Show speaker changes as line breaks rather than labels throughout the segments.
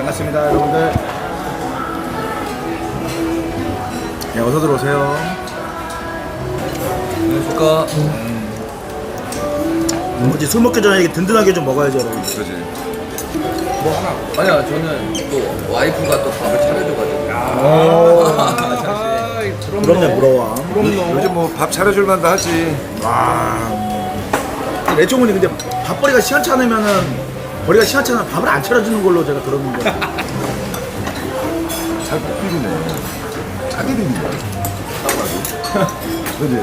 반갑습니다, 여러분들. 네, 어서 들어오세요.
안녕하십니까.
뭐지, 술 먹기 전에 이게 든든하게 좀 먹어야죠, 여러분.
그지. 뭐 하나. 아니야, 저는 또 와이프가 또 밥을 차려줘가지고.
부럽네, 부러워.
요즘 뭐 밥 차려줄 만도 하지.
레종훈이 근데 밥벌이가 시원찮으면은 벌이가 시원찮으면 밥을 안 차려주는 걸로 제가 들었는데.
잘 못 비비네. 짜게 비비네. 그지?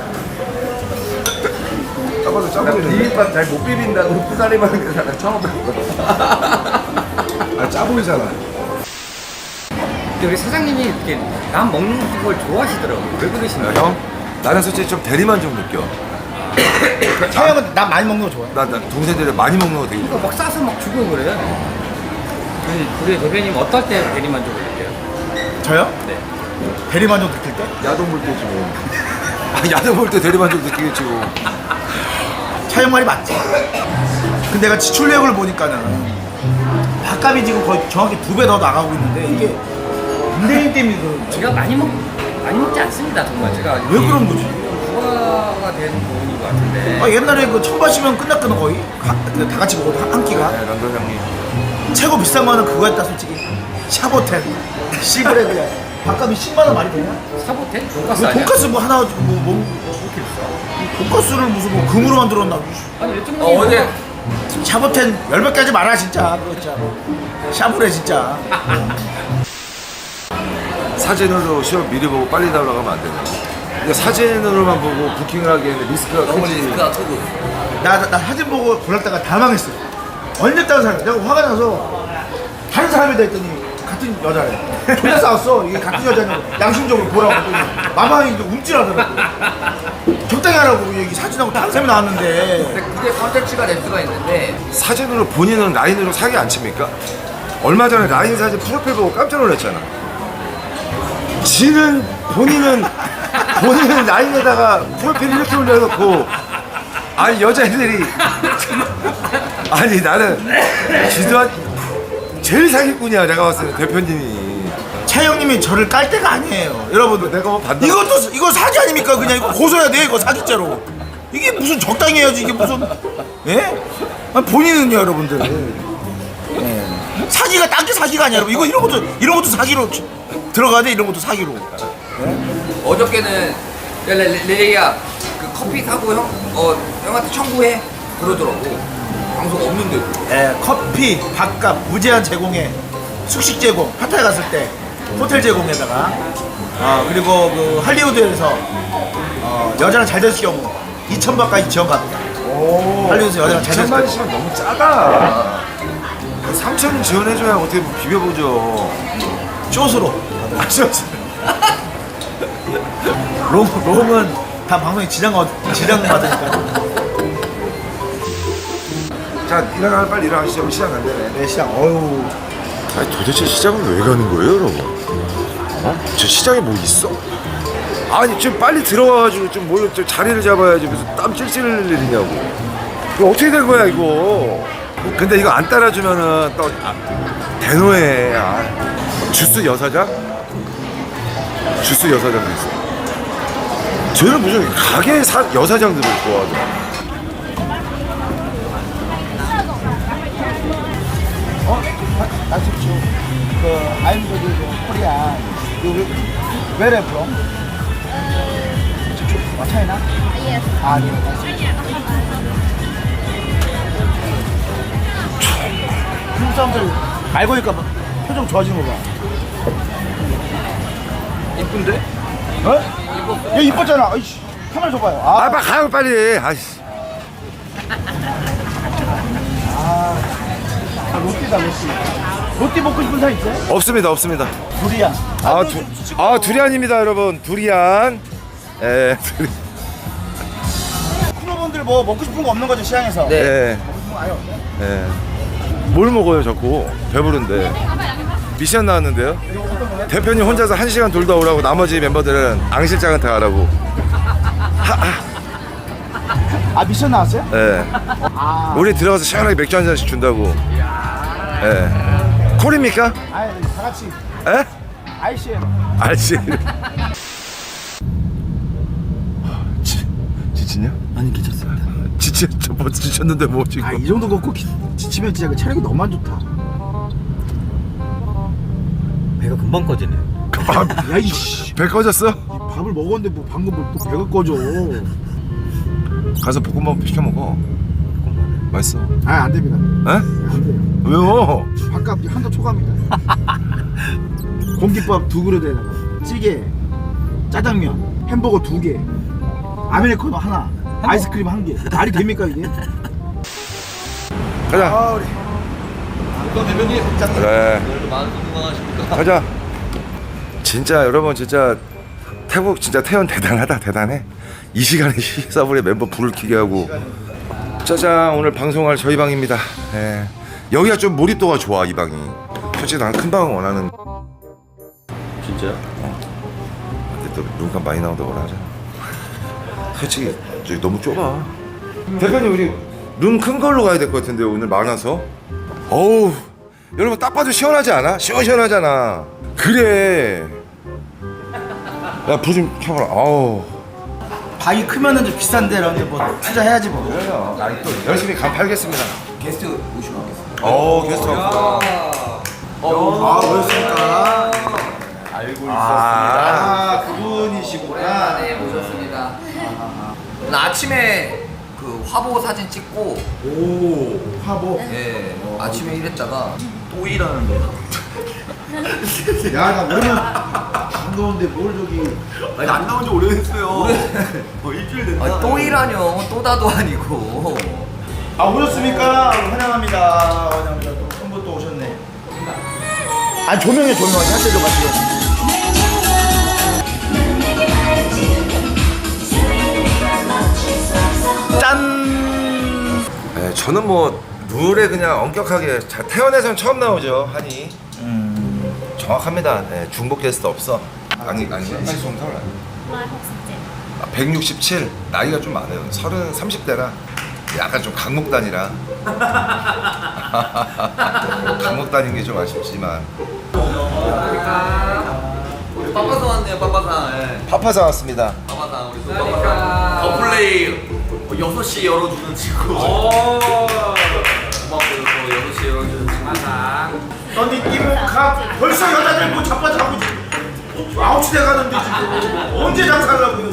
짜봐도 짜보이네.
비빔밥 잘 못 비빈다고 후다리 받는 게 사람 처음 봤거든.
아, 짜보이잖아.
근데 우리 사장님이 이렇게 남 먹는 걸 좋아하시더라고요. 왜 그러시나요?
형, 나는 솔직히 좀 대리만 좀 느껴.
차영은 난 많이 먹는 거 좋아해.
나 동생들이 많이 먹는 거 되게 좋아.
그러니까 막 싸서 막 주고 그래요. 우리 대표님 어떨 때 대리만족을 느껴요?
저요?
네.
대리만족 느낄 때?
야동 볼 때지 뭐. 아, 야동 볼 때 대리만 좀 느끼겠지 뭐.
차영 말이 맞지. 근데 내가 지출력을 보니까는 밥값이 지금 거의 정확히 2배 더 나가고 있는데 이게 문재인 때문에 그런
제가 많이 먹지 않습니다. 정말 제가
왜 그런 거지?
부가가 되는 부분인 것 같은데.
아, 옛날에 그 천바시면 끝났거든 거의 다 같이 먹어도 한 끼가.
네, 런던 형님.
최고 비싼 거는 그거였다 솔직히. 샤보텐 시그레그야. 밥값이 10만 원 말이 되냐?
사보텐? 돈가스
뭐
아니야?
돈가스 뭐 하나 돈가스를 무슨 뭐 금으로 만들었나?
아니 요즘
어제
샤보텐 열몇 가지 말아 진짜. 그거 진짜 샤브레 진짜.
사진으로 시험 미리 보고 빨리 나오라고 하면 안 되네. 근데 사진으로만 보고 부킹을 하기에는 리스크가
너무
크지.
리스크가 크고.
나 사진 보고 골랐다가 다 망했어. 언제 다른 사람? 내가 화가 나서 다른 사람이다 했더니 같은 여자래. 존나 싸웠어. 이게 같은 여자냐고 양심적으로 보라고 했더니 마마이 움찔하더라고. 적당히 하라고 여기 사진하고 다른 사람이 나왔는데.
근데 그게 컨텐츠가 될 수가 있는데
사진으로 본인은 라인으로 사기 안 칩니까? 얼마 전에 라인 사진 프로필 보고 깜짝 놀랐잖아. 본인은 라인에다가 프로필 이렇게 올려놓고 아니 여자애들이 아니 나는 지도한 제일 사기꾼이야 내가 봤을 때 대표님이.
차영님이 저를 깔 때가 아니에요, 여러분들.
내가 뭐 반대.
이거 사기 아닙니까? 그냥 이거 고소해야 돼, 이거 사기죄로. 이게 무슨 적당히 해야지, 이게 무슨, 예? 아니, 본인은요, 여러분들. 예. 사기가 딴 게 사기가 아니야, 여러분. 이런 것도 사기로 들어가야 돼, 이런 것도 사기로.
어저께는 레레야 그 커피 사고 형한테 청구해 그러더라고. 방송 없는데도.
예, 커피, 밥값, 무제한 제공에 숙식 제공, 파타야 갔을 때 호텔 제공에다가 그리고 그 할리우드에서 여자랑 잘 됐을 경우 2,000바까지 지원받는다. 할리우드에서 여자랑 잘 됐을
2천만
때.
원씩은 너무 짜다. 3천은 지원해줘야 어떻게 비벼보죠.
쇼스로. 롱은 다 방송에 지장 받으니까.
자 빨리 일어나시죠. 시장 안 되네.
네, 시장. 어휴.
아니 도대체 시장을 왜 가는 거예요, 여러분? 저 시장에 뭐 있어? 아니 좀 빨리 들어와가지고 좀 자리를 잡아야지 무슨 땀 찔찔 흘릴 일이냐고. 이거 어떻게 된 거야 이거? 근데 이거 안 따라주면은 또 대노해. 주스 여사장? 주스 여사장도 있어. 쟤는 무슨 가게 여사장들을 좋아하더라.
나십시오 I'm Korea. Where are you from? China?
Yes.
네. 한국 사람들 알고 보니까 막 표정 좋아지는 거 봐.
이쁜데?
어? 얘 이뻤잖아. 아이씨. 카메라 줘봐요.
빨리 가요 빨리. 아이씨.
롯데다, 롯데. 롯데 먹고 싶은 사람 있어요?
없습니다.
두리안.
두리안입니다, 여러분. 두리안. 예,
쿠노분들 뭐 먹고 싶은 거 없는 거죠, 시장에서?
네.
예,
먹고 싶은 거 아예 없네.
예. 뭘 먹어요, 자꾸? 배부른데. 미션 나왔는데요. 대표님 혼자서 1시간 돌다 오라고 나머지 멤버들은 앙실장한테 가라고.
미션 나왔어요?
예. 우리 들어가서 시원하게 맥주 한 잔씩 준다고. 예. 콜입니까?
아니 다 같이
에?
ICM.
알지. 지치냐?
아니 괜찮습니다.
뭐 지쳤는데 뭐 지금?
아이 정도 걷고 지치면 진짜 그 체력이 너무 안 좋다.
배가 금방 꺼지네.
야 이씨.
배 꺼졌어?
밥을 먹었는데 뭐 방금 뭐 또 배가 꺼져.
가서 볶음밥 시켜 먹어. 맛있어.
아 안 됩니다.
에?
안 돼요.
왜요?
밥값 한도 초과합니다. 공깃밥 2그릇에다가 찌개, 짜장면, 햄버거 2개, 아메리카노 하나, 아이스크림 1개. 말이 됩니까 이게?
가자.
아 우리
대표님.
그래.
오늘도 마음 건강하십니까?
가자. 진짜 여러분 진짜 태국 진짜 태연 대단하다 대단해. 이 시간에 시사불에 멤버 불을 켜게 하고. 짜잔 오늘 방송할 저희 방입니다. 예. 여기가 좀 몰입도가 좋아 이 방이. 솔직히 난 큰 방을 원하는.
진짜요?
근데 또 눈감 많이 나온다고 하잖아. 솔직히 저기 너무 좁아. 대표님 우리 룸 큰 걸로 가야 될 것 같은데 오늘 많아서. 어우 여러분 딱 봐도 시원하지 않아? 시원시원하잖아. 그래. 야 불 좀 켜봐라. 아우.
방이 크면은 좀 비싼데 라는데 뭐 투자해야지 뭐.
그래요. 아니 또 열심히 간 팔겠습니다.
게스트 모시고 가겠습니다.
게스트 왔구나.
아 뭐였습니까?
알고
아 그분이시구나.
네 모셨습니다. 오늘 아침에 그 화보 사진 찍고
오 화보.
예 아침에 일했다가 또 일하는데
야나 오늘 반가운데 뭘 저기.
아니 안 나온 지 오래됐어요. 일주일 됐다.
아니, 또 일하뇨 또 다도 아니고
아 오셨습니까? 환영합니다. 환영합니다. 또 선부 또 오셨네. 아니 조명해 조명하게 할 때도 같이. 짠.
네, 저는 뭐 룰에 그냥 엄격하게 태연에선 처음 나오죠 한이. 정확합니다. 네, 중복 게스트 없어. 아니 좀 털라. 167 나이가 좀 많아요. 30대라 약간 좀 강목단이라 강목단인 게 좀 아쉽지만.
우리 빠빠상 왔네요 빠빠상 예.
파파사 왔습니다.
빠빠상 우리 또 빠빠상 더플레이 6시 열어주는 친구 고맙고요 또 6시 열어주는 친구
너니 이모카 벌써 여자들 뭐 자빠자고 지금 9시 돼가는데 지금 언제 장사하려고요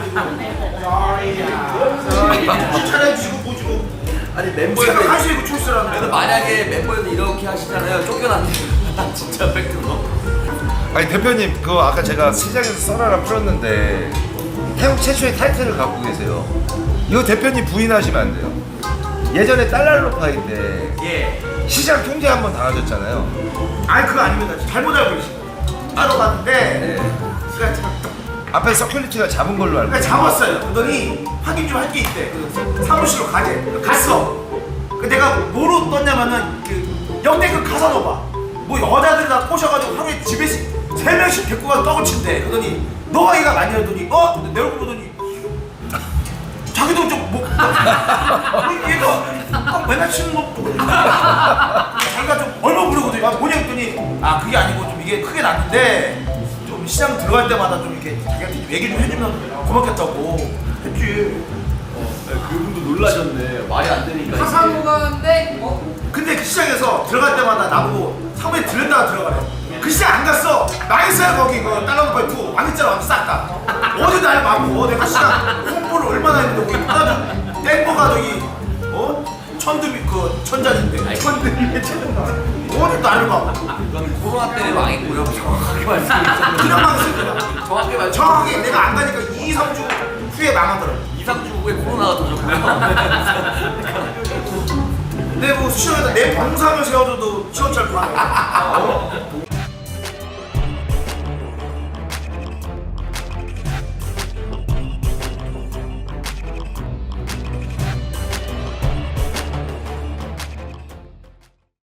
지금 차려주시고 뭐 주고
아니
새벽
멤버들
1시에 그 출세라는
그래도 만약에 멤버들 이렇게 하시잖아요 쫓겨났네 진짜 팩트로
아니 대표님 그거 아까 제가 시장에서 썰어라 풀었는데 태국 최초의 타이틀을 갖고 계세요. 이거 대표님 부인하시면 안 돼요. 예전에 달랄로파이 때
예
시장 통제 한번 당하셨잖아요.
아니 그거 아닙니다 잘못 알고 계신 거예요 따로 봤는데
네.
제가
앞에 서큘리티가 잡은 걸로 알고.
그러니까 잡았어요. 그러더니 확인 좀 할 게 있대. 그 사무실로 가재. 갔어. 그 내가 뭐로 떴냐면은 그 역대급 가사노바. 뭐 여자들 다 꼬셔가지고 하루에 집에 3명씩 데리고 가서 떡을 친대. 그러더니 너가 얘가 많이 하더니 내 얼굴 보더니 자기도 좀 뭐 얘가 떡 맨날 치는 거 자기가 좀 얼마 부르거든요. 뭐냐 했더니 그게 아니고 좀 이게 크게 났는데 좀 시장 들어갈 때마다 좀 이렇게 자기한테 얘기 좀 해주면 고맙겠다고 했지.
그분도 놀라셨네. 말이 안 되니까.
가사무가인데
근데 그 시장에서 들어갈 때마다 나보고 사무에 들렸다가 들어가래. 그 시장 안 갔어. 망했어요 거기 그 달러노파이 2 망했잖아 완전 싹 다. 어디 날 막고 내가 시장 홍보를 얼마나 했는데 거기 하나 땡보가 저기 천드비 그 천장인데 천드비 어디 나를 막
코로나 때문에 망했고요 정확하게 말씀드리면
그냥 망했을 거야.
정확하게 말씀
정확하게 내가 안 가니까 2, 3주 후에 망하더라고.
2, 3주 후에 코로나가 터졌고요
근데 뭐 시장에다 내 봉사를 세워줘도 시원찮고